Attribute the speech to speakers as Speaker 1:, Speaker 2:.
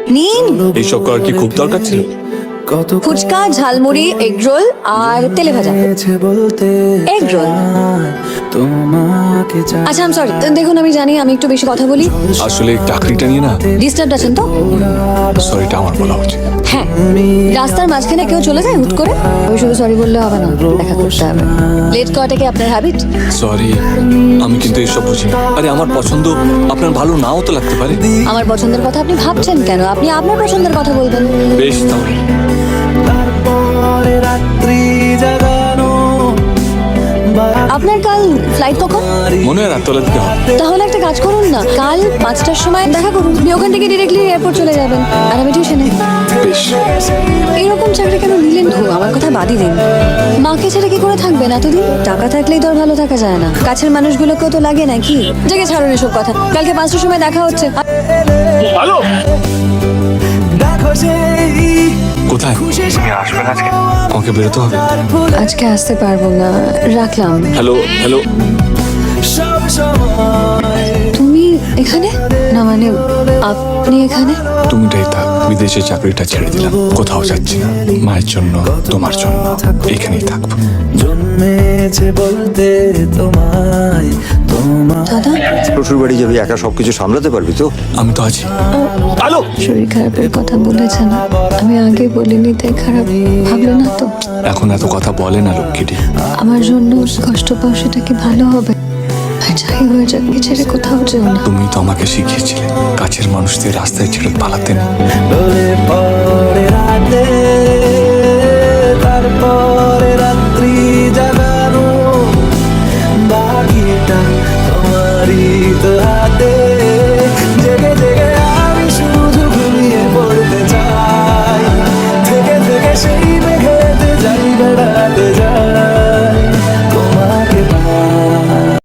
Speaker 1: নিন।
Speaker 2: এইসব করার কি খুব দরকার ছিল?
Speaker 1: ফুচকা, ঝালমুড়ি, এগ রোল আর তেলে ভাজা। Egg roll. আচ্ছা, আম সরি। দেখুন, আমি জানি আমি একটু বেশি কথা বলি।
Speaker 2: আসলে চাকরিটা নিয়ে না,
Speaker 1: ডিস্টার্ব আছেন তো?
Speaker 2: সরিটা আমার বলা উচিত।
Speaker 1: হ্যাঁ, রাস্তার মাঝখানে কেউ চলে যায় হুট করে, আমি শুধু সরি বললে হবে না, দেখা করতে হবে। লেট করাটা কি আপনার হ্যাবিট?
Speaker 2: সরি, আমি কিন্তু এসব বুঝি না। আরে আমার পছন্দ আপনার ভালো নাও তো লাগতে পারে।
Speaker 1: আমার পছন্দের কথা আপনি ভাবছেন কেন? আপনি আপনার পছন্দের কথা বলবেন।
Speaker 2: বেশ, তাহলে
Speaker 1: আপনার কাল ফ্লাইট কখন?
Speaker 2: মনে হয় রাতবেলা দিকে হবে।
Speaker 1: তাহলে একটা কাজ করুন না, কাল 5টার সময় দেখা করুন। আপনি ওখান থেকে ডিরেক্টলি এয়ারপোর্ট চলে যাবেন আর আমি টিউশনে।
Speaker 2: বেশ।
Speaker 1: এরকম চাকরি কেন নিলেন? আমার কথা বাদই দিন। মাকে ছেড়ে কি করে থাকবেন এতদিন? টাকা থাকলেই তো আর ভালো থাকা যায় না। কাছের মানুষগুলোকেও তো লাগে নাকি? জায়গা ছাড়ুন এসব কথা। কালকে 5টার সময় দেখা হচ্ছে।
Speaker 2: হ্যালো, কোথায়? আসবেন আজকে? আমাকে বেরোতে হবে।
Speaker 1: আজকে আসতে পারবো না, রাখলাম।
Speaker 2: হ্যালো হ্যালো,
Speaker 1: তুমি এখানে? না মানে আপনি এখানে?
Speaker 2: তুমিটাই থাক। বিদেশে চাকরিটা ছেড়ে দিলাম, কোথাও যাচ্ছি না। মায়ের জন্য, তোমার জন্য এখানেই থাকবো।
Speaker 1: দাদা,
Speaker 3: শ্বশুর বাড়ি যাবি, একা সবকিছু সামলাতে পারবি তো?
Speaker 2: আমি তো আছি। হ্যালো,
Speaker 1: শরীর খারাপের কথা বলেছেন, আমি আগে বলিনি তাই খারাপ ভাবলো না তো?
Speaker 2: এখন এত কথা বলে না লক্ষ্মীটি।
Speaker 1: আমার জন্য কষ্ট পাও সেটা কি ভালো হবে? আর যাই হয়ে যাক, কি ছেড়ে কোথাও যেও না।
Speaker 2: তুমি তো আমাকে শিখিয়েছিলে কাছের মানুষদের রাস্তায় ছেড়ে পালাতে নেই।